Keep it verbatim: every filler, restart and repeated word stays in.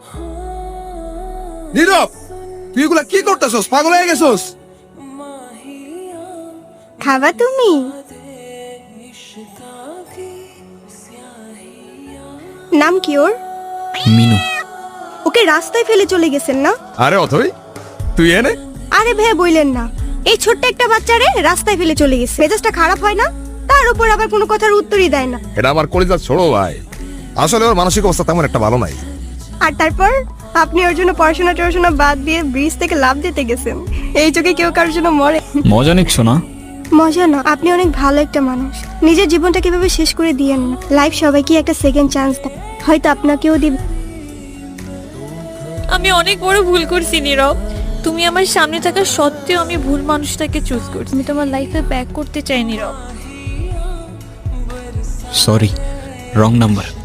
নীরব, তুই এগুলা কি করতেছস? পাগল হয়ে গেছস? খাবা তুমি? নাম কি ওর? মিনু। ওকে রাস্তায় ফেলে চলে গেছেন না? আরে অথই, তুই এনে? আরে ভাই বইলেন না, এই ছোট্ট একটা বাচ্চারে রাস্তায় ফেলে চলে গেছে। মেজাজটা খারাপ হয় না? তার উপর আবার কোনো কথার উত্তরই দেয় না। এটা আমার কলিজার ছোড়ো ভাই। আসলে ওর মানসিক অবস্থা তেমন একটা ভালো নাই। আর তারপর আপনি ওর জন্য পড়াশোনা টড়াশোনা বাদ দিয়ে ব্রিজ থেকে লাফ দিতে গেছেন। এই চোখে কেউ কারোর জন্য মরে? মজা নিচ্ছ না? মজা না, আপনি অনেক ভালো একটা মানুষ। নিজের জীবনটা কিভাবে শেষ করে দিয়েন না। লাইফ সবাইকে একটা সেকেন্ড চান্স দেয়, হয়তো আপনাকেও দিবে। আমি অনেক বড় ভুল করছি নীরব। তুমি আমার সামনে থাকা সত্ত্বেও আমি ভুল মানুষটাকে চুজ করছি। আমি তোমার লাইফে ব্যাক করতে চাই নীরব। Sorry, wrong number.